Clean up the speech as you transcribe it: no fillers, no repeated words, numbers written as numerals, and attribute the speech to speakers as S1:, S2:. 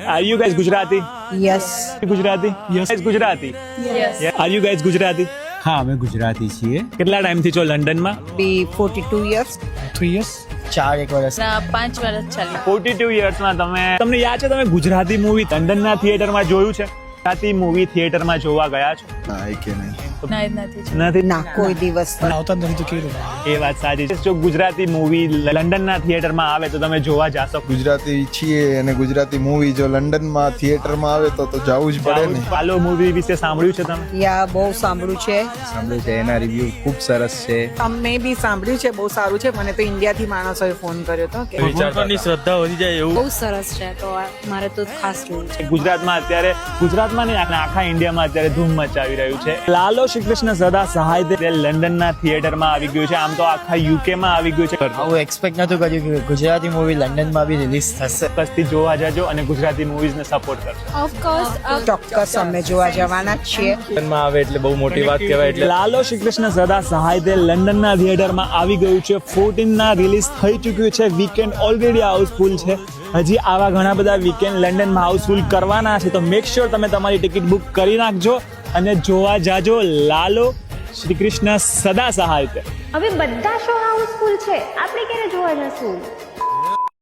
S1: Are you guys Gujarati?
S2: Yes.
S1: Gujarati? Yes. Gujarati?
S2: Yes.
S1: Yeah. Are you guys Gujarati?
S3: હા અમે ગુજરાતી છીએ.
S1: કેટલા ટાઈમથી છો લંડનમાં?
S2: Be 42 years.
S3: 3 years.
S4: 4 વર્ષ
S5: 5 વર્ષ ચાલી
S1: 42 yearsમાં તમને યાદ છે તમે ગુજરાતી મૂવી લંડનના થિયેટરમાં જોયું છે? ગુજરાતી મૂવી થિયેટરમાં જોવા ગયા છો?
S5: નથી
S2: ના કોઈ દિવસ પણ.
S3: આવતા નથી તો કેવું?
S1: એ વાત સાચી છે. જો ગુજરાતી મૂવી લંડનના થિયેટરમાં આવે તો તમે જોવા જાશો?
S6: ગુજરાતી છીએ અને ગુજરાતી મૂવી જો લંડનમાં થિયેટરમાં આવે તો જવું જ પડે ને.
S1: પાલો મૂવી વિશે સાંભળ્યું છે તમે?
S2: યા બહુ સાંભળ્યું છે.
S4: સાંભળ્યું છે, એના રિવ્યુ ખૂબ સરસ છે.
S7: અમે બી સાંભળ્યું છે, બહુ સારું છે. મને તો ઇન્ડિયાથી માણસોએ ફોન કર્યો હતો કે
S4: વિચારવાની શ્રદ્ધા વધી જાય એવું.
S5: બહુ સરસ છે તો મારે તો ખાસ જોવું છે.
S1: ગુજરાતમાં નહીં આખા ઇન્ડિયામાં અત્યારે ધૂમ મચાવી રહ્યું છે. લાલો શ્રી કૃષ્ણ સદા સહાય તે લંડનના થિયેટરમાં આવી ગયું છે. આમ તો આખા યુકેમાં આવી ગયું છે.
S4: આવું એક્સપેક્ટ નતું કર્યું કે ગુજરાતી મૂવી લંડનમાં બી રિલીઝ થશે.
S1: ચોક્કસથી જોવા જજો અને ગુજરાતી મૂવીઝને સપોર્ટ કરજો.
S5: ઓફકોર્સ
S2: ચોક્કસ અમે જોવા જવાના જ છીએ.
S4: લંડનમાં આવે એટલે બહુ મોટી વાત કહેવાય. એટલે
S1: લાલો શ્રી કૃષ્ણ સદા સહાય તે લંડનના થિયેટરમાં આવી ગયું છે. 14 રિલીઝ થઈ ચૂક્યું છે. વીકેન્ડ ઓલરેડી હાઉસફુલ છે. હજી આવા ઘણા બધા વીકેન્ડ લંડનમાં હાઉસફુલ કરવાના છે, તો મેક શ્યોર તમે તમારી ટિકિટ બુક કરી નાખજો અને જોવા જાજો લાલો શ્રી કૃષ્ણ સદા સહાય તે.
S8: હવે બધા શો હાઉસફુલ છે, આપણે ક્યારે જોવા જશું?